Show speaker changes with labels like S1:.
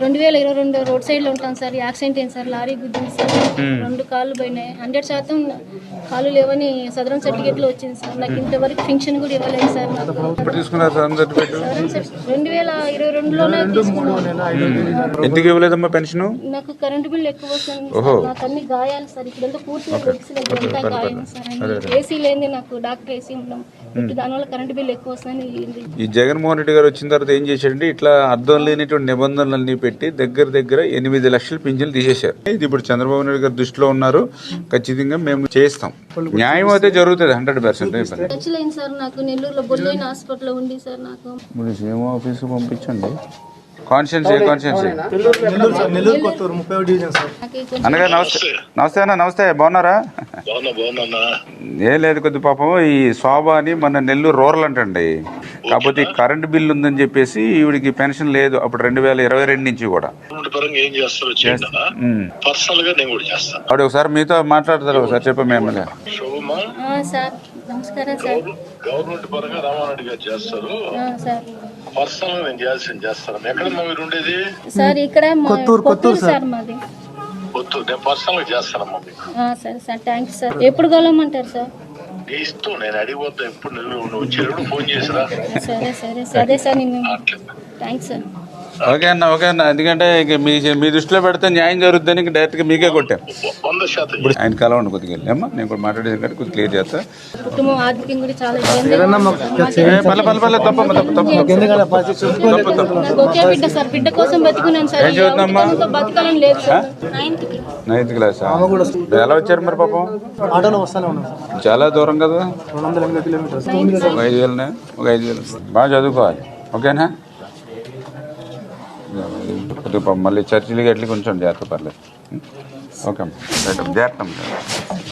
S1: 2022 road సైడ్లో ఉంటాను sir. Accident అయింది సార్, లారీ గుద్దింది సార్. 2 కాళ్ళు పోయినాయి. 100% కాళ్ళు లేవని సదరం సర్టిఫికేట్లో వచ్చింది సార్. నాకు ఇంతవరకు ఫంక్షన్ కూడా ఇవ్వలేదు సార్. నాకు 2022లోనే తీసుకున్నాను.
S2: ఎందుకు ఇవ్వలేదమ్మా పెన్షన్?
S1: నాకు కరెంటు బిల్ ఎక్కువ వస్తుంది. నాకు అన్ని గాయాలు సార్. ఇప్పుడంతా పూర్తిగా అంతా గాయం సార్. ఏసీ లేని నాకు డాక్టర్ ఏసీ ఉండడం, దానివల్ల కరెంటు బిల్ ఎక్కువ వస్తుందని.
S2: ఈ జగన్మోహన్ రెడ్డి గారు వచ్చిన తర్వాత ఏం చేశారంటే ఇట్లా అర్థం లేనిటువంటి నిబంధనలన్నీ పెట్టి దగ్గర 8 లక్షల పింఛన్లు తీసేశారు. ఇది ఇప్పుడు చంద్రబాబు నాయుడు గారు దృష్టిలో ఉన్నారు. ఖచ్చితంగా మేము చేస్తాం. న్యాయం అయితే జరుగుతుంది 100%.
S1: ఖచ్చితమైంది సార్. నాకు నెల్లూరులో బొల్లోయిన హాస్పిటల్లో ఉంది సార్. నాకు
S2: ఇప్పుడు సీఎం ఆఫీస్కి పంపించండి. కాన్స్టిట్యున్సీ అన్నగా నమస్తే అన్న. నమస్తే, బాగున్నారా? ఏం లేదు, కొద్ది పాపం ఈ శోభ అని మన నెల్లూరు రూరల్ అంటండి. కాకపోతే ఈ కరెంట్ బిల్ ఉందని చెప్పేసి ఈవిడికి పెన్షన్ లేదు అప్పుడు 2022 నుంచి కూడా. ఆవిడ ఒకసారి మీతో మాట్లాడతారు, ఒకసారి చెప్పండి ఎమ్మెల్యే.
S1: నమస్కారం సార్.
S3: గవర్నమెంట్ పరంగా రామారెడ్డి గారు చేస్తారు. పర్సనల్ నేను చేస్తాను. ఎక్కడమ్మా మీరు ఉండేది?
S1: సార్ ఇక్కడ కొత్తూరు సార్ మాది.
S3: కొత్తూరు. నేను పర్సనల్ చేస్తానమ్మా మీకు.
S1: సరే సార్, థ్యాంక్స్ సార్. ఎప్పుడు కలవమంటారు సార్?
S3: నీ ఇష్టం, నేను అడిగిపోతా. ఎప్పుడు నువ్వు వచ్చేటప్పుడు ఫోన్ చేసిరా.
S1: సరే సార్. Thanks sir.
S2: ఓకే అన్న. ఎందుకంటే మీ దృష్టిలో పెడితే న్యాయం జరుగుతుందని డైరెక్ట్ గా మీకే కొట్టాం.
S3: 100%
S2: ఇప్పుడు ఆయన కలవండి కొద్దిగా అమ్మా. నేను కూడా మాట్లాడేది కంటే కొద్దిగా క్లియర్ చేస్తా.
S1: కుటుంబం ఆర్థికంగా కూడా చాలా ఒకే బిడ్డ సార్. బిడ్డ కోసం బతుకున్నాను సార్. బతకాలని లేదు సార్.
S2: 9th class. ఎలా వచ్చారు మరి పాపం? చాలా దూరం కదా. 5,000 బాగా చదువుకోవాలి. ఓకేనా? మళ్ళీ చర్చిలకి ఎట్లకి కొంచెం జాగ్రత్త, పర్లేదు. ఓకే అమ్మా, జాగ్రత్త.